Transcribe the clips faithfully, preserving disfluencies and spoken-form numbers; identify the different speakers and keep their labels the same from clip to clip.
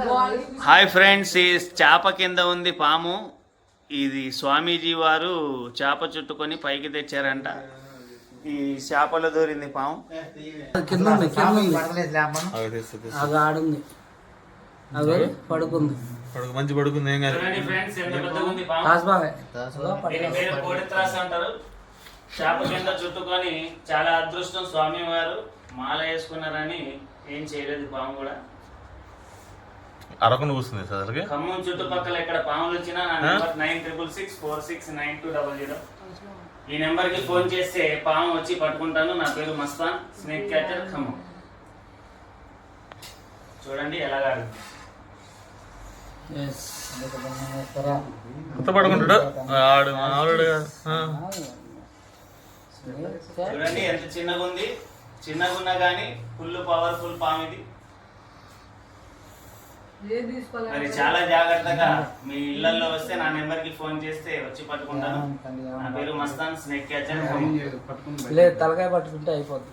Speaker 1: Hi friends, ఈ చేప కింద ఉంది పాము. ఇది స్వామీజీ వారు చేప చుట్టుకొని పైకి తెచ్చారంట. ఈ చేపలో దూరింది పాము.
Speaker 2: పడుకుంది
Speaker 3: మంచి పడుకుంది. ఏం కాదు.
Speaker 1: చేప కింద చుట్టుకొని చాలా అదృష్టం. స్వామి వారు మాల వేసుకున్నారని ఏం చేయలేదు పాము కూడా.
Speaker 3: అరకును కూస్తుంది సార్.
Speaker 1: ఖమ్మం చుట్టుపక్కల ఎక్కడ పాములు వచ్చినా నా number nine triple six four six nine two double zero. ఈ నెంబర్ కి ఫోన్ చేస్తే పాము వచ్చి పట్టుకుంటాను. నా పేరు మస్తాన్, స్నేక్ క్యాచర్, ఖమ్మం. చూడండి ఎలాగా
Speaker 3: పడుకుంటాడు ఆడు ఆవిడ.
Speaker 1: చూడండి ఎంత చిన్నగా ఉంది. చిన్నగా ఉన్నా కానీ ఫుల్ పవర్ఫుల్ పాము ఇది. మరి చాలా జాగ్రత్తగా మీ ఇళ్లలో వస్తే నా నెంబర్ కి ఫోన్ చేస్తే వచ్చి పట్టుకుంటాను. నా పేరు మస్తాన్, స్నేక్ క్యాచర్.
Speaker 2: తలకాయ పట్టుకుంటే అయిపోద్ది.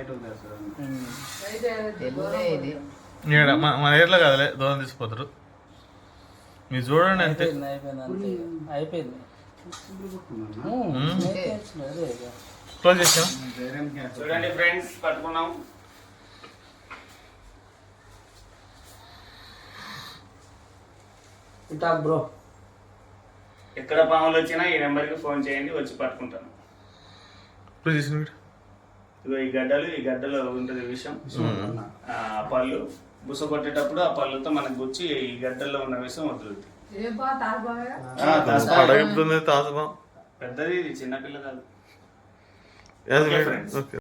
Speaker 3: మన ఏర్లో కదలే దూరం తీసిపోతారు. మీరు చూడండి అంతే.
Speaker 2: అయిపోయింది.
Speaker 3: క్లోజ్ చేసాం.
Speaker 1: చూడండి ఫ్రెండ్స్, పట్టుకున్నాం.
Speaker 2: బ్రో
Speaker 1: ఎక్కడ పాములు వచ్చినా ఈ నెంబర్ కి ఫోన్ చేయండి, వచ్చి పట్టుకుంటాను. ఇదిగో ఈ గడ్డలు, ఈ గడ్డలో ఉంటుంది విషం. ఆ పళ్ళు బుస కొట్టేటప్పుడు ఆ పళ్ళుతో మనకు గుచ్చి ఈ గడ్డల్లో ఉన్న విషం వదులుతుంది. పెద్దది, చిన్నపిల్ల కాదు.